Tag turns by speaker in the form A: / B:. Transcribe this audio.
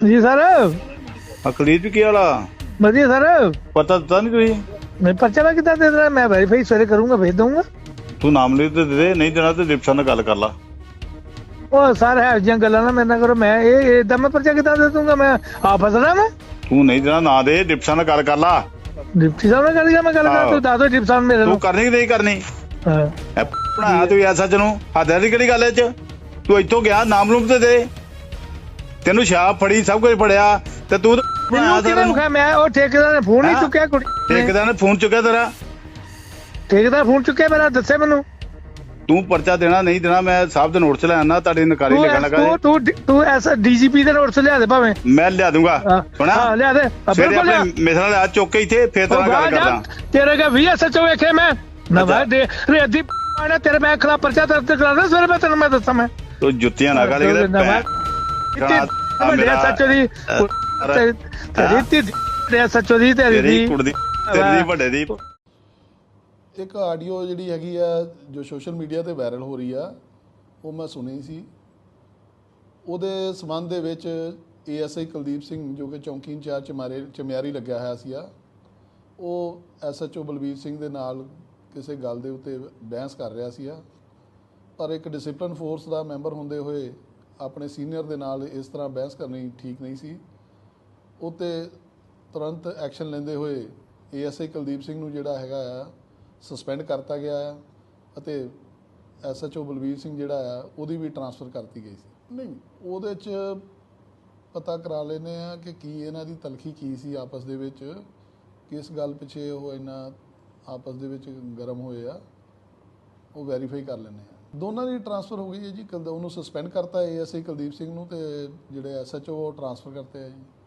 A: जी sir.
B: अखलीत भी किया वाला
A: बढ़िया सर।
B: पता दिता नहीं तुझे?
A: मैं पर्चा मैं कितना दे रहा, मैं वेरीफाई सवेरे करूंगा, भेज दूंगा।
B: तू नाम ले तो दे, नहीं देना तो डिप्टी साहब नाल गल कर ला।
A: ਉਹ ਸਰ ਹੈ ਜਿਹੀਆਂ ਗੱਲਾਂ ਨਾ ਮੇਰੇ ਨਾਲ ਕਰੋ। ਮੈਂ ਇਹ ਇਦਾਂ ਮੈਂ ਪਰਚਾ ਕਿੱਦਾਂ ਦੇ ਦੂੰਗਾ? ਮੈਂ ਆ ਫਸਣਾ ਮੈਂ।
B: तू नहीं देना ना दे, डिप्टी साहब नाल गल कर ला।
A: ਡਿਪਟੀ ਸਾਹਿਬ ਨਾਲ ਗੱਲ ਕਰ, ਮੈਂ ਗੱਲ ਕਰ, ਤੂੰ ਦੱਸ ਦੋ ਡਿਪਟੀ ਸਾਹਿਬ ਮੇਰੇ
B: तू
A: ਨੂੰ।
B: करनी कि नहीं करनी?
A: ਹਾਂ
B: ਬਣਾਇਆ ਤੂੰ ਐਸਾ ਨੂੰ ਹੱਦ ਦੀ ਕਿਹੜੀ ਗੱਲ ਐ ਚ? ਤੂੰ ਇੱਥੋਂ ਗਿਆ ਨਾਮ ਲੂਮ ਤੇ ਦੇ, ਤੈਨੂੰ ਸ਼ਾਪ ਫੜੀ ਸਭ ਕੁਝ ਫੜਿਆ ਤੇ ਤੂੰ ਬਣਾਇਆ ਸਾਰਾ ਨੂੰ।
A: ਮੈਂ ਉਹ ਠੇਕੇਦਾਰ ਨੇ ਫੋਨ ਨਹੀਂ ਚੁੱਕਿਆ, ਕੁੜੀ
B: ਠੇਕੇਦਾਰ ਨੇ ਫੋਨ ਚੁੱਕਿਆ ਤੇਰਾ?
A: ਠੇਕੇਦਾਰ ਫੋਨ ਚੁੱਕਿਆ ਮੇਰਾ, ਦੱਸੇ ਮੈਨੂੰ।
B: ਤੂੰ ਪਰਚਾ ਦੇਣਾ ਨਹੀਂ ਦੇਣਾ ਮੈਂ ਸਾਹਿਬ ਦੇ ਨੋਟ ਚ ਲੈ ਆਣਾ, ਤੁਹਾਡੀ ਨਕਾਰੀ ਲਿਖਣ ਲੱਗਾ।
A: ਤੂੰ ਐਸਾ ਡੀਜੀਪੀ ਦੇ ਨੋਟ ਲਿਆ ਦੇ ਭਾਵੇਂ।
B: ਮੈਂ ਲਿਆ ਦੂੰਗਾ। ਸੁਣਾ
A: ਲਿਆ ਦੇ
B: ਸਵੇਰੇ ਆਪਣੇ ਮੇਰੇ ਨਾਲ ਆ ਚੁੱਕ ਕੇ ਇੱਥੇ ਫੇਰ ਤੇਰਾ ਗੱਲ ਕਰਦਾ।
A: ਤੇਰੇ ਕਾ ਵੀ ਐਸਐਚਓ ਵੇਖੇ ਮੈਂ ਨਵਾਂ ਦੇ ਰੇਦੀ ਪਾਣਾ ਤੇਰੇ ਮੈਂ ਖਿਲਾਫ ਪਰਚਾ ਦਰਜ ਕਰਾਉਣਾ ਸਵੇਰੇ ਮੈਂ ਤੈਨੂੰ ਮੈਂ ਦੱਸਾਂ। ਮੈਂ
B: ਤੂੰ ਜੁੱਤੀਆਂ ਨਾ ਗਾਲੀ ਦੇ
A: ਵੱਡੇ ਐਸਐਚਓ ਦੀ ਤੇਰੀ ਐਸਐਚਓ ਦੀ ਤੇਰੀ
B: ਕੁੜੀ ਤੇਰੀ ਵੱਡੇ ਦੀ।
C: ਇੱਕ ਆਡੀਓ ਜਿਹੜੀ ਹੈਗੀ ਆ ਜੋ ਸੋਸ਼ਲ ਮੀਡੀਆ ਤੇ ਵਾਇਰਲ ਹੋ ਰਹੀ ਆ, ਉਹ ਮੈਂ ਸੁਣੀ ਸੀ। ਉਹਦੇ ਸੰਬੰਧ ਦੇ ਵਿੱਚ ਏਐਸਆਈ ਕੁਲਦੀਪ ਸਿੰਘ ਜੋ ਕਿ ਚੌਂਕੀ ਇੰਚਾਰਜ ਚਮਿਆਰੀ ਲੱਗਿਆ ਹੋਇਆ ਸੀ, ਉਹ ਐਸਐਚਓ ਬਲਬੀਰ ਸਿੰਘ ਦੇ ਨਾਲ ਕਿਸੇ ਗੱਲ ਦੇ ਉੱਤੇ ਬਹਿਸ ਕਰ ਰਿਹਾ ਸੀ। ਪਰ ਇੱਕ ਡਿਸਪਲਿਨ ਫੋਰਸ ਦਾ ਮੈਂਬਰ ਹੁੰਦੇ ਹੋਏ ਆਪਣੇ ਸੀਨੀਅਰ ਦੇ ਨਾਲ ਇਸ ਤਰ੍ਹਾਂ ਬਹਿਸ ਕਰਨੀ ਠੀਕ ਨਹੀਂ ਸੀ। ਉਹ 'ਤੇ ਤੁਰੰਤ ਐਕਸ਼ਨ ਲੈਂਦੇ ਹੋਏ ਏਐਸਆਈ ਕੁਲਦੀਪ ਸਿੰਘ ਨੂੰ ਜਿਹੜਾ ਹੈਗਾ ਆ ਸਸਪੈਂਡ ਕਰਤਾ ਗਿਆ ਆ ਅਤੇ ਐਸਐਚਓ ਬਲਬੀਰ ਸਿੰਘ ਜਿਹੜਾ ਆ ਉਹਦੀ ਵੀ ਟਰਾਂਸਫਰ ਕਰਤੀ ਗਈ ਸੀ। ਨਹੀਂ, ਉਹਦੇ 'ਚ ਪਤਾ ਕਰਾ ਲੈਂਦੇ ਆ ਕਿ ਕੀ ਇਹਨਾਂ ਦੀ ਤਲਖੀ ਕੀ ਸੀ ਆਪਸ ਦੇ ਵਿੱਚ, ਕਿਸ ਗੱਲ ਪਿੱਛੇ ਉਹ ਇੰਨਾ ਆਪਸ ਦੇ ਵਿੱਚ ਗਰਮ ਹੋਏ ਆ, ਉਹ ਵੈਰੀਫਾਈ ਕਰ ਲੈਂਦੇ ਆ। ਦੋਨਾਂ ਦੀ ਟਰਾਂਸਫਰ ਹੋ ਗਈ ਹੈ ਜੀ। ਉਹਨੂੰ ਸਸਪੈਂਡ ਕਰਤਾ ਏਐਸਆਈ ਕੁਲਦੀਪ ਸਿੰਘ ਨੂੰ, ਅਤੇ ਜਿਹੜੇ ਐਸਐਚਓ ਉਹ ਟਰਾਂਸਫਰ ਕਰਤੇ ਆ ਜੀ।